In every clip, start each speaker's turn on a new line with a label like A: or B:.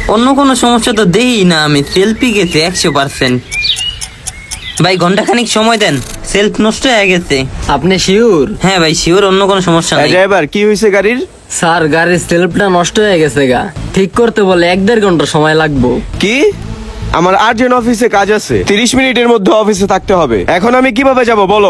A: অন্য কোনো সমস্যা তো দেই না, আমি সেলফি গেছে 100%। ভাই ঘন্টাখানিক সময় দেন, সেলফ নষ্ট হয়ে গেছে।
B: আপনি শিওর?
A: হ্যাঁ ভাই শিওর, অন্য কোনো সমস্যা নাই।
C: ড্রাইভার কি হয়েছে গাড়ির?
B: স্যার গাড়ির সেলফটা নষ্ট হয়ে গেছে গা, ঠিক করতে বলে 1-1.5 ঘন্টা সময় লাগবে।
C: কি? আমার আর্জেন্ট অফিসে কাজ আছে, 30 মিনিটের মধ্যে অফিসে থাকতে হবে। এখন আমি কিভাবে যাব বলো?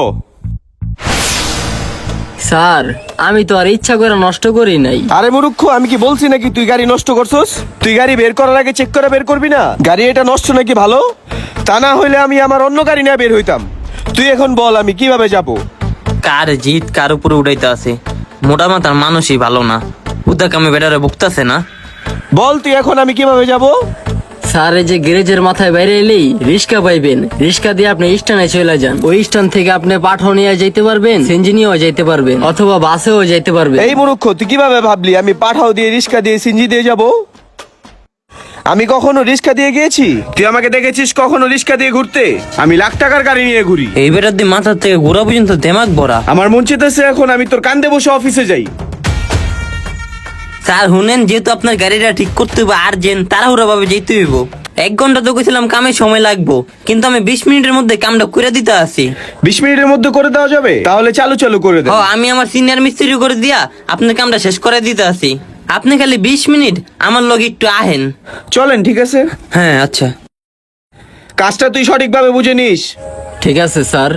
B: স্যার আমি তো আর ইচ্ছা করে নষ্ট করি নাই।
C: আরে মূর্খ, আমি কি বলছি নাকি তুই গাড়ি নষ্ট করছস? তুই গাড়ি বের করার আগে চেক করে বের করবি না গাড়ি এটা নষ্ট নাকি ভালো? তা না হইলে আমি আমার অন্য গাড়ি নিয়ে বের হইতাম। তুই এখন বল আমি কিভাবে যাব?
A: কার জিত কার উপরে উঠাইতে আছে, মোটা মাথার মানুষই ভালো না, উদা কামে বেটারে ভুগতাছে না।
C: বল তুই এখন আমি কিভাবে যাব?
B: স্যার এই যে গ্যারেজের মাথায় বাইরে এলেই রিক্সা পাইবেন, রিক্সা দিয়ে আপনি স্ট্যান্ডে চলে যান। ওই স্ট্যান্ড থেকে আপনি পাঠও নিয়ে যাইতে পারবেন, সিএনজি নিয়েও যাইতে পারবেন, অথবা বাসেও যাইতে পারবেন।
C: এই মূর্খ, তুই কিভাবে ভাবলি আমি পাঠাও দিয়ে রিক্সা দিয়ে সিনজি দিয়ে যাব? আমি কখনো রিক্সা দিয়ে গিয়েছি? তুই আমাকে দেখেছিস কখনো রিক্সা দিয়ে ঘুরতে? আমি লাখ টাকার গাড়ি নিয়ে ঘুরি।
A: এই বেটার দিয়ে মাথার থেকে গোড়া পর্যন্ত দেমাগ ভরা।
C: আমার মন চেতেছে এখন আমি তোর কান্দে বসে অফিসে যাই।
A: স্যার শুনেন, যেহেতু আপনার গাড়িটা ঠিক করতে হবে আর্জেন্ট, তাড়াহুড়া ভাবে যেতে হইব। 1 ঘন্টা তো গেছিলাম, কামে সময় লাগবো, কিন্তু আমি 20 মিনিটের মধ্যে কামটা করে দিতে আসি।
C: 20 মিনিটের মধ্যে করে দেওয়া যাবে? তাহলে চালু চালু করে দে।
A: ও আমি আমার সিনিয়র মিস্ত্রি করে দিয়া আপনার কামটা শেষ করে দিতে আসি। আপনি খালি 20 মিনিট আমার লগে একটু আহেন।
C: চলেন, ঠিক আছে।
A: হ্যাঁ আচ্ছা।
C: কাজটা তুই সঠিকভাবে বুঝে নিস।
B: ঠিক আছে স্যার।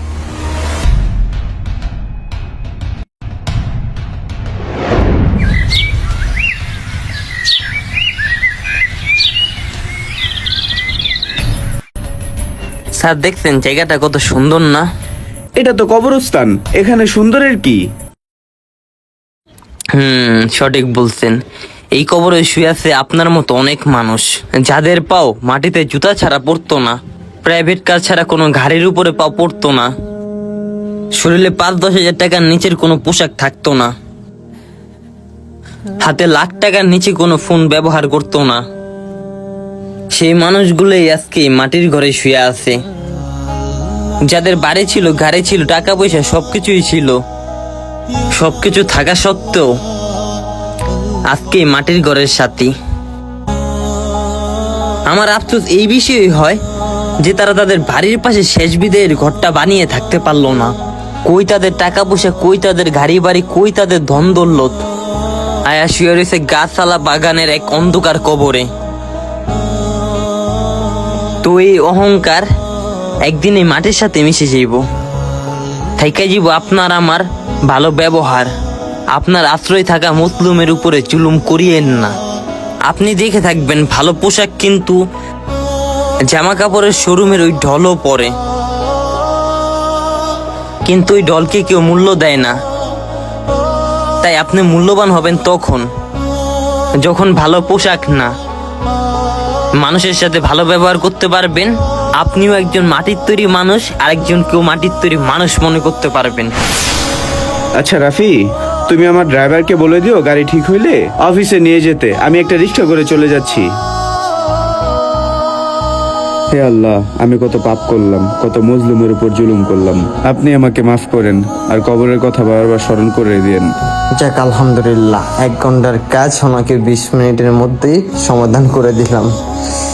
A: স্যার দেখছেন জায়গাটা কত সুন্দর না?
C: এটা তো কবরস্থান, এখানে সুন্দরের কি?
A: সঠিক বলছেন। এই কবরে শুয়ে আছে আপনার মতো অনেক মানুষ, যাদের পাও মাটিতে জুতা ছাড়া পড়তো না, প্রাইভেট কার ছাড়া কোনো গাড়ির উপরে পাও পড়তো না, শরীরে 5-10 হাজার টাকার নিচের কোনো পোশাক থাকতো না, হাতে লাখ টাকার নিচে কোনো ফোন ব্যবহার করতো না। সেই মানুষগুলোই আজকে মাটির ঘরে শুয়ে আছে, যাদের বাড়ি ছিল, গাড়ি ছিল, টাকা পয়সা সবকিছুই ছিল, সবকিছু থাকা সত্ত্বেও আজকে মাটির ঘরের সাথী। আমার আফসোস এই বিষয়ই হয় যে তারা তাদের বাড়ির পাশে শেষ বিদায়ের ঘরটা বানিয়ে থাকতে পারলো না। কই তাদের টাকা পয়সা, কই তাদের গাড়ি বাড়ি, কই তাদের ধন দৌলত, আয়া শুয়ে রয়েছে গাছালা বাগানের এক অন্ধকার কবরে। তো এই অহংকার একদিন এই মাটির সাথে মিশে যাইব, থাইকা যাইব আপনার আমার ভালো ব্যবহার। আপনার আশ্রয় থাকা মুসলুমের উপরে জুলুম করিয়েন না। আপনি দেখে থাকবেন ভালো পোশাক কিন্তু জামা কাপড়ের শোরুমের ওই ঢলও পরে, কিন্তু ওই ঢলকে কেউ মূল্য দেয় না। তাই আপনি মূল্যবান হবেন তখন যখন ভালো পোশাক না, মানুষের সাথে ভালো ব্যবহার করতে পারবেন। আপনিও একজন মাটির তৈরি মানুষ, আরেকজনকেও মাটির তৈরি মানুষ মনে করতে পারবেন।
C: আচ্ছা রাফি, তুমি আমার ড্রাইভারকে বলে দিও গাড়ি ঠিক হইলে অফিসে নিয়ে যেতে। আমি একটা রিক্সা করে চলে যাচ্ছি। হে আল্লাহ, আমি কত পাপ করলাম, কত মজলুমের উপর জুলুম করলাম। আপনি আমাকে মাফ করেন আর কবরের কথা বারবার স্মরণ করে দিয়েন।
D: যাক আলহামদুলিল্লাহ, 1 ঘন্টার কাজ ওনাকে 20 মিনিটের মধ্যেই সমাধান করে দিলাম।